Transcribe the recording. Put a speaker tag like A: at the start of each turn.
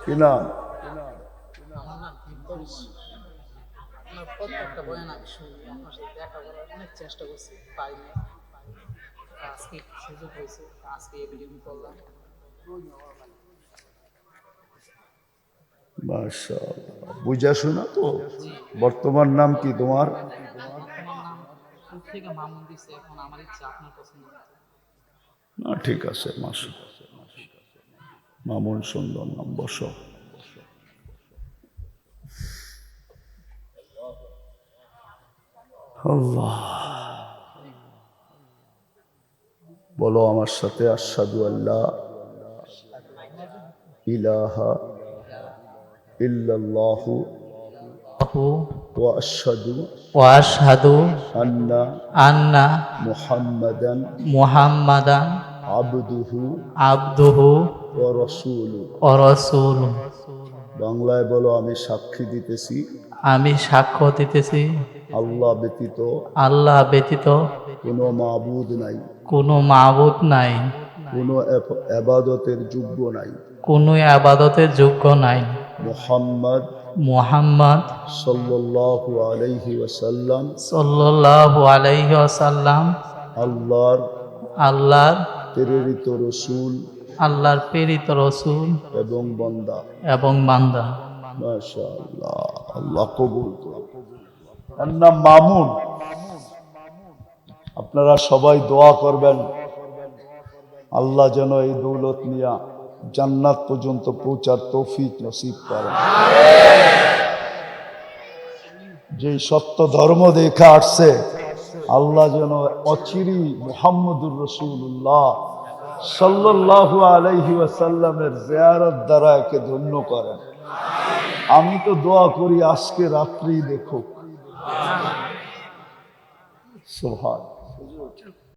A: কি নাম?
B: আমার নাম ভিক্টোরিস। আপনার প্রত্যেকটা বয়ান আমি শুনি, আপনার সাথে দেখা করার অনেক চেষ্টা করছি, পাইনি। আজকে একটু সুযোগ হয়েছে, আজকে এই ভিডিও করলাম।
A: মাশাআল্লাহ, বুঝা শোনা তো।
B: জি,
A: বর্তমান নাম কি তোমার?
B: বর্তমান নাম শুরু থেকে মামুন দিছে, এখন আমার ইচ্ছা আপনার পছন্দ মতো।
A: না ঠিক আছে, মাশাআল্লাহ, মামুন সুন্দর নাম। বসো। আল্লাহ, বলো আমার সাথে, আশহাদু আল্লাহ ইলাহা ইল্লাল্লাহু ওয়া আশহাদু
C: ওয়াশহাদু
A: আন্না
C: আন্না
A: মুহাম্মাদান
C: মুহাম্মাদান
A: আবদুহু
C: আবদুহু
A: ওয়া রাসূলুহু।
C: ওয়া রাসূলুহু।
A: বাংলায় বলো, আমি সাক্ষী দিতেছি
C: আমি সাক্ষ্য দিতেছি
A: আল্লাহ ব্যতীত
C: আল্লাহ ব্যতীত
A: কোনো মাবুদ নাই,
C: কোনো মাবুদ নাই,
A: কোনো ইবাদতের যোগ্য নাই।
C: কোনো ইবাদতের যোগ্য নাই।
A: মুহাম্মদ
C: মুহাম্মদ
A: সাল্লাল্লাহু আলাইহি ওয়াসাল্লাম
C: সাল্লাল্লাহু আলাইহি ওয়াসাল্লাম
A: আল্লাহর
C: আল্লাহর
A: প্রেরিত রসূল
C: আল্লাহর প্রেরিত রাসূল
A: এবং বান্দা।
C: এবং বান্দা।
A: মাশাআল্লাহ, আল্লাহ কবুল করুন। তার নাম মামুন। আপনারা সবাই দোয়া করবেন আল্লাহ যেন এই দৌলত নিয়া জান্নাত পর্যন্ত পৌঁছার তৌফিক নসিব করেন। যে সত্য ধর্ম দেখা আসছে, আল্লাহ যেন অচিরি মুহাম্মদুর রাসূলুল্লাহ সাল্লাল্লাহু আলাইহি ওয়াসাল্লামের জিয়ারত দ্বারা একে ধন্য করেন। আমি তো দোয়া করি আজকে রাত্রি দেখুক। সুবহান।